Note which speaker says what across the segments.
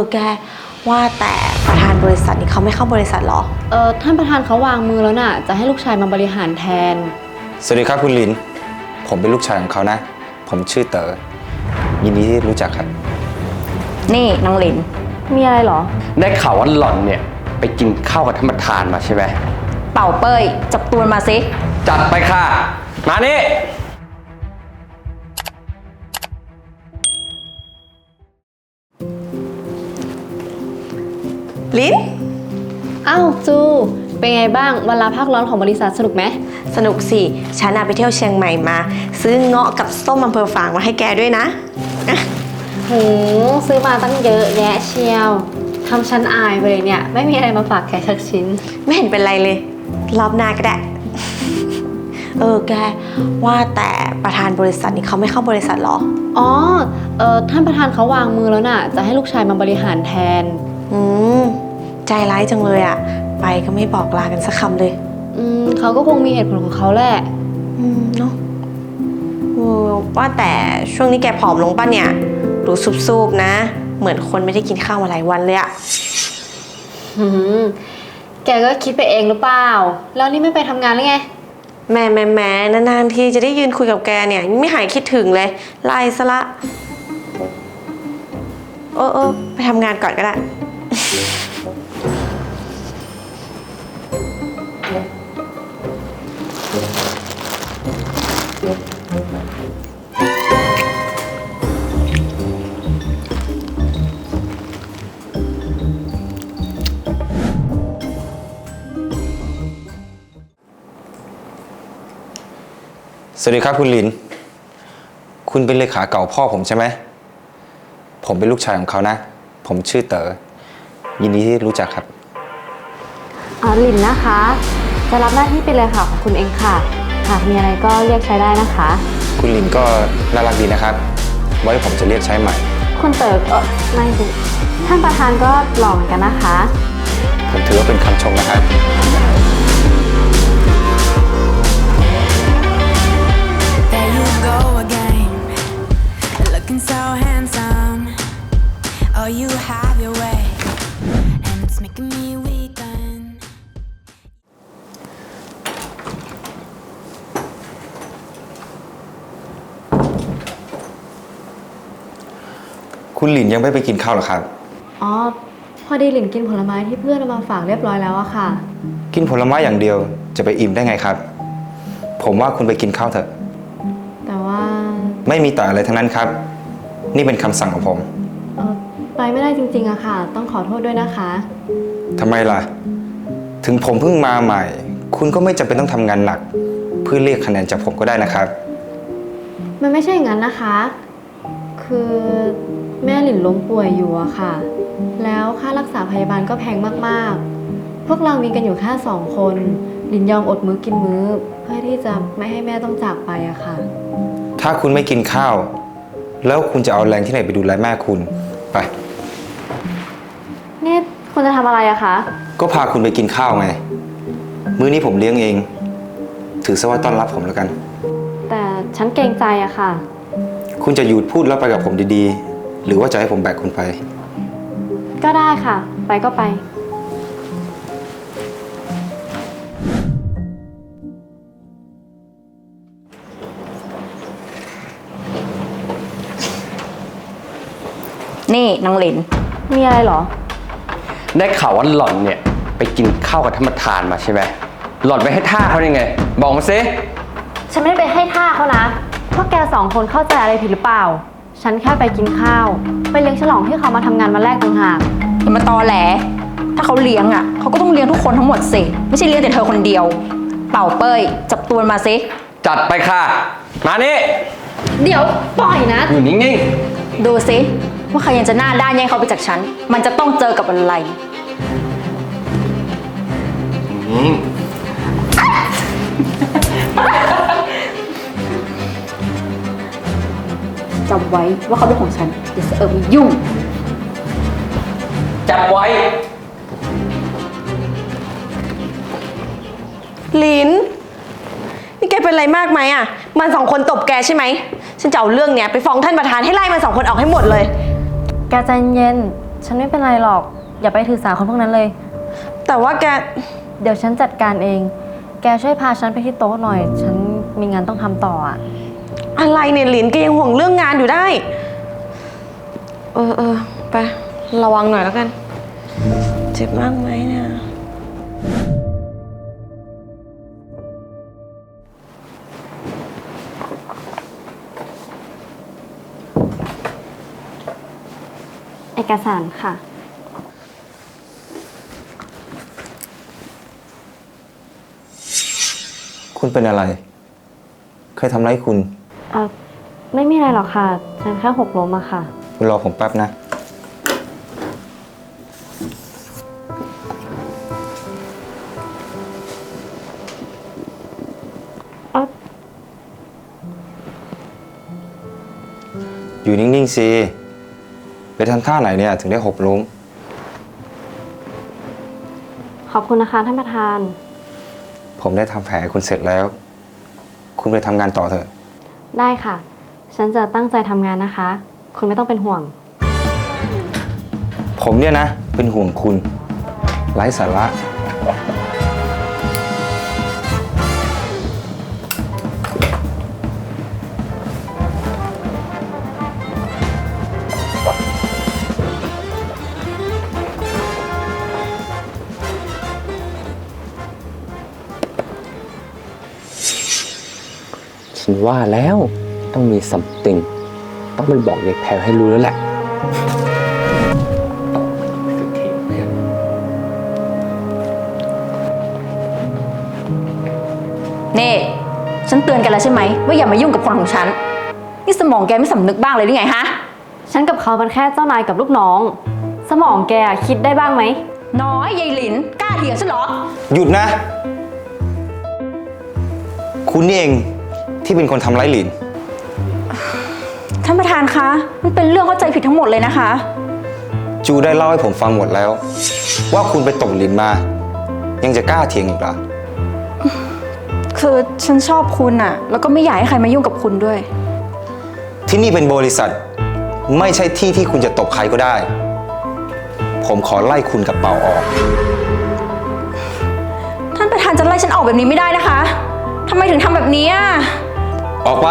Speaker 1: แกว่าแต่ประธานบริษัทนี่เขาไม่เข้าบริษัทหรอ
Speaker 2: ท่านประธานเขาวางมือแล้วน่ะจะให้ลูกชายมาบริหารแทน
Speaker 3: สวัสดีครับคุณลินผมเป็นลูกชายของเขานะผมชื่อเต๋อยินดีที่รู้จักครับ
Speaker 1: นี่น้องลิน
Speaker 2: มีอะไรหรอ
Speaker 4: ได้ข่าวว่าหล่อนเนี่ยไปกินข้าวกับท่านประธานมาใช่ไหม
Speaker 1: เป่าเป้ยจับตัวมาสิ
Speaker 4: จัดไปค่ะมานี่
Speaker 1: ลิน
Speaker 2: อ้าวจูเป็นไงบ้างวันลาพักร้อนของบริษัทสนุกไหม
Speaker 1: สนุกสิฉันไปเที่ยวเชียงใหม่มาซื้อเงาะกับส้มอำเภอฝางมาให้แกด้วยนะ
Speaker 2: ซื้อมาตั้งเยอะแยะเชียวทำฉันอายไปเลยเนี่ยไม่มีอะไรมาฝากแกสักชิ้น
Speaker 1: ไม่เห็นเป็นไรเลยรอบหน้าก็ได้แกว่าแต่ประธานบริษัทนี่เขาไม่เข้าบริษัทหรอ
Speaker 2: ท่านประธานเขาวางมือแล้วน่ะจะให้ลูกชายมาบริหารแทน
Speaker 1: ใจร้ายจังเลยอะไปก็ไม่บอกลากันสักคำเลย
Speaker 2: เขาก็คงมีเหตุผลของเขาแหละ
Speaker 1: เนาะว่าแต่ช่วงนี้แกผอมลงป่ะเนี่ยดูซุบๆนะเหมือนคนไม่ได้กินข้าวมาหลายวันเลยอะ
Speaker 2: แกก็คิดไปเองหรือเปล่าแล้วนี่ไม่ไปทำงานหรือไง
Speaker 1: แหมนานๆทีจะได้ยืนคุยกับแกเนี่ยไม่หายคิดถึงเลยไล่ซะละไปทำงานก่อนก็ได้
Speaker 3: สวัสดีครับคุณลินคุณเป็นเลขาเก่าพ่อผมใช่ไหมผมเป็นลูกชายของเขานะผมชื่อเต๋อยินดีที่รู้จักครับ
Speaker 2: ลินนะคะจะรับหน้าที่เป็นเลขาของคุณเองค่ะหากมีอะไรก็เรียกใช้ได้นะคะ
Speaker 3: คุณลินก็น่ารักดีนะครับไว้ผมจะเรียกใช้ใหม่
Speaker 2: คุณเต๋อไม่สิท่านประธานก็หล่อเหมือนกันนะคะ
Speaker 3: ผมถือว่าเป็นคำชมนะครับ
Speaker 5: So handsome, oh you have your way, and it's making me weaken.
Speaker 3: คุณหลินยังไม่ไปกินข้าวหรอครับ
Speaker 2: พอดีหลินกินผลไม้ที่เพื่อนเอามาฝากเรียบร้อยแล้วอะค่ะ
Speaker 3: กินผลไม้อย่างเดียวจะไปอิ่มได้ไงครับผมว่าคุณไปกินข้าวเถอะ
Speaker 2: แต่ว่า
Speaker 3: ไม่มีแต่อะไรทั้งนั้นครับนี่เป็นคำสั่งของผม
Speaker 2: ไปไม่ได้จริงๆอะค่ะต้องขอโทษด้วยนะคะ
Speaker 3: ทำไมล่ะถึงผมเพิ่งมาใหม่คุณก็ไม่จำเป็นต้องทำงานหนักเพื่อเรียกคะแนนจากผมก็ได้นะครับ
Speaker 2: มันไม่ใช่อย่างนั้นนะคะคือแม่หลินล้มป่วยอยู่อะค่ะแล้วค่ารักษาพยาบาลก็แพงมากๆพวกเรามีกันอยู่แค่2 คนหลินยอมอดมื้อกินมื้อเพื่อที่จะไม่ให้แม่ต้องจากไปอะค่ะ
Speaker 3: ถ้าคุณไม่กินข้าวแล้วคุณจะเอาแรงที่ไหนไปดูแลแม่คุณไป
Speaker 2: นี่คุณจะทำอะไรอะคะ
Speaker 3: ก็พาคุณไปกินข้าวไงมื้อนี้ผมเลี้ยงเองถือซะว่าต้อนรับผมแล้วกัน
Speaker 2: แต่ฉันเกรงใจอะค่ะ
Speaker 3: คุณจะหยุดพูดแล้วไปกับผมดีๆหรือว่าจะให้ผมแบกคุณไป
Speaker 2: ก็ได้ค่ะไปก็ไป
Speaker 1: นี่น้องลิน
Speaker 2: มีอะไรหรอ
Speaker 4: ได้ข่าวว่าหล่อนเนี่ยไปกินข้าวกับท่านประธานมาใช่ไหมหล่อนไปให้ท่าเขาได้ไงบอกมาสิ
Speaker 2: ฉันไม่ได้ไปให้ท่าเขานะพวกแก2 คนเข้าใจอะไรผิดหรือเปล่าฉันแค่ไปกินข้าวไปเลี้ยงฉลองที่เขามาทำงานวันแรกต่างหาก
Speaker 1: อย่ามาตอแหลถ้าเขาเลี้ยงอ่ะเขาก็ต้องเลี้ยงทุกคนทั้งหมดสิไม่ใช่เลี้ยงแต่เธอคนเดียวเป่าเป้ยจับตัวมาสิ
Speaker 4: จัดไปค่ะมานี่
Speaker 2: เดี๋ยวปล่อยนะ
Speaker 4: อยู่นิ่งๆ
Speaker 1: ดูสิว่าใครยังจะหน้าด้านแย่งเขาไปจากฉันมันจะต้องเจอกับอะไรจำไว้ว่าเขาเป็นของฉันอย่าเสอะมายุ่ง
Speaker 4: จับไว้
Speaker 1: ลินนี่แกเป็นอะไรมากไหมอ่ะมัน2 คนตบแกใช่ไหมฉันจะเอาเรื่องเนี้ยไปฟ้องท่านประธานให้ไล่มัน2 คนออกให้หมดเลย
Speaker 2: แกใจเย็นฉฉันไม่เป็นไรหรอก อย่าไปถือสาคนพวกนั้นเลย
Speaker 1: แต่ว่าแก
Speaker 2: เดี๋ยวฉันจัดการเอง แกช่วยพาฉันไปที่โต๊ะหน่อย ฉันมีงานต้องทำต่ออะ
Speaker 1: อะไรเนี่ยหลินแกยังห่วงเรื่องงานอยู่ได้ ไประวังหน่อยแล้วกัน เจ็บมากไหมเนี่ย
Speaker 2: เอกสารค่ะ
Speaker 3: คุณเป็นอะไร ใครทำร้ายคุณ
Speaker 2: ไม่มีอะไรหรอกค่ะ ฉันแค่หกล้มอะค่ะ
Speaker 3: คุณรอผมแป๊บนะ อยู่นิ่งๆสิ ไปทำท่าไหนเนี่ย ถึงได้หกล้ม
Speaker 2: ขอบคุณนะคะท่านประธาน
Speaker 3: ผมได้ทำแผลให้คุณเสร็จแล้ว คุณไปทำงานต่อเถอะ
Speaker 2: ได้ค่ะ ฉันจะตั้งใจทำงานนะคะ คุณไม่ต้องเป็นห่วง
Speaker 3: ผมเนี่ยนะ เป็นห่วงคุณ ไร้สาระ
Speaker 4: ฉันว่าแล้วต้องมีซัมติงต้องไปบอกยายแพรให้รู้แล้วแหละ
Speaker 6: นี่ฉันเตือนแกันแล้วใช่ไหมว่าอย่ามายุ่งกับคนของฉัน นี่สมองแกไม่สำนึกบ้างเลยหรือไงฮะ
Speaker 2: ฉันกับเขาเป็นแค่เจ้านายกับลูกน้อง สมองแกคิดได้บ้างไหม
Speaker 6: น้อยยายหลินกล้าเถียงฉันเหรอ
Speaker 3: หยุดนะ คุณนี่เองที่เป็นคนทำร้ายหลิน
Speaker 6: ท่านประธานคะ มันเป็นเรื่องเข้าใจผิดทั้งหมดเลยนะคะ
Speaker 3: จูได้เล่าให้ผมฟังหมดแล้ว ว่าคุณไปตบหลินมา ยังจะกล้าเถียงอีกเหรอ
Speaker 6: คือฉันชอบคุณอะแล้วก็ไม่อยากให้ใครมายุ่งกับคุณด้วย
Speaker 3: ที่นี่เป็นบริษัท ไม่ใช่ที่ที่คุณจะตบใครก็ได้ ผมขอไล่คุณกับเป่าออก
Speaker 6: ท่านประธานจะไล่ฉันออกแบบนี้ไม่ได้นะคะทำไมถึงทำแบบนี้อะ
Speaker 3: ออกไป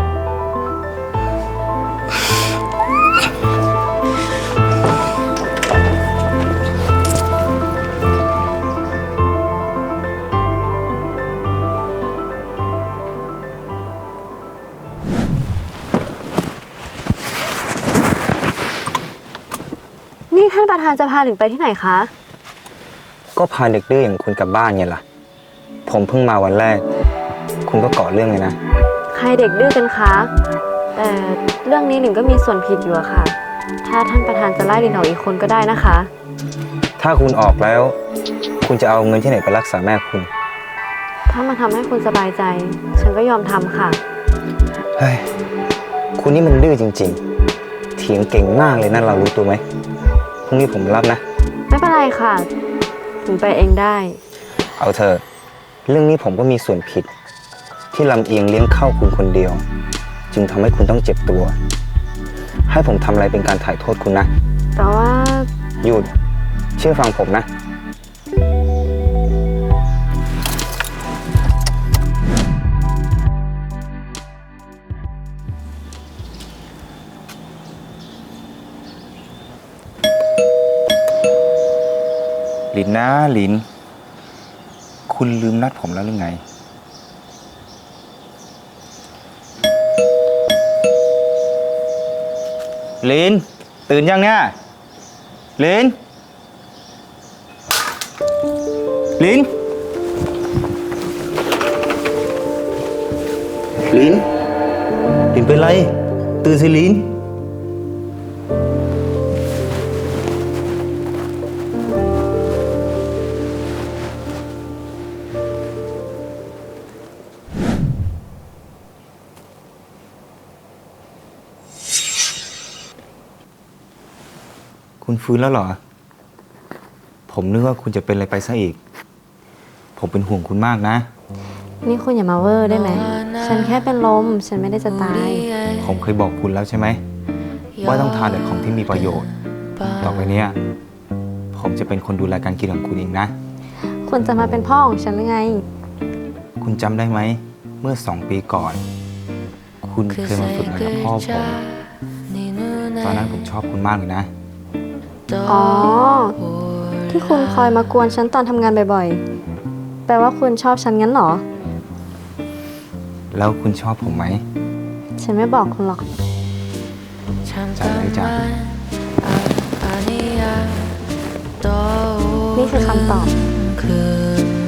Speaker 2: นี่ท่านประธานจะพาหลินไปที่ไหนคะ
Speaker 3: ก็พาเด็กดื้ออย่างคุณกลับบ้านไงล่ะ ผมเพิ่งมาวันแรก คุณก็ก่อเรื่องเลยนะ
Speaker 2: ใครเด็กดื้อกันคะ แต่เรื่องนี้หลินก็มีส่วนผิดอยู่อะค่ะ ถ้าท่านประธานจะไล่หลินออกอีกคนก็ได้นะคะ
Speaker 3: ถ้าคุณออกแล้ว คุณจะเอาเงินที่ไหนไปรักษาแม่คุณ
Speaker 2: ถ้ามันทำให้คุณสบายใจ ฉันก็ยอมทำค่ะ
Speaker 3: เฮ้ย คุณนี่มันดื้อจริงๆ เถียงเก่งมากเลยนั่นเรารู้ตัวไหมพรุ่งนี้ผมรับนะ
Speaker 2: ไม่เป็นไรค่ะหลินไปเองได้
Speaker 3: เอาเถอะเรื่องนี้ผมก็มีส่วนผิด ที่ลำเอียงเลี้ยงข้าวคุณคนเดียว จึงทำให้คุณต้องเจ็บตัว ให้ผมทำอะไรเป็นการถ่ายโทษคุณนะ
Speaker 2: แต่ว่า
Speaker 3: หยุดเชื่อฟังผมนะ หลินนะหลิน คุณลืมนัดผมแล้วหรือไง ลิน ตื่นยังเนี่ย ลิน ลิน ลิน ลินเป็นไร ตื่นสิลิน คุณฟื้นแล้วเหรอ ผมนึกว่าคุณจะเป็นอะไรไปซะอีก ผมเป็นห่วงคุณมากนะ
Speaker 2: นี่คุณอย่ามาเวอร์ได้ไหม ฉันแค่เป็นลม ฉันไม่ได้จะตาย
Speaker 3: ผมเคยบอกคุณแล้วใช่ไหม ว่าต้องทานแต่ของที่มีประโยชน์ต่อไปเนี้ยผมจะเป็นคนดูแลการกินของคุณเองนะ
Speaker 2: คุณจะมาเป็นพ่อของฉันหรือไง
Speaker 3: คุณจำได้ไหม เมื่อ2 ปีก่อน คุณเคยมาฝึกงานกับพ่อผม ตอนนั้นผมชอบคุณมากเลยนะ
Speaker 2: อ๋อ ที่คุณคอยมากวนฉันตอนทำงานบ่อยๆ แปลว่าคุณชอบฉันงั้นเหรอ
Speaker 3: แล้วคุณชอบผมไหม
Speaker 2: ฉันไม่บอกคุณหรอก
Speaker 3: จำได้จ้ะ
Speaker 2: นี่คือคำตอบ
Speaker 5: คืน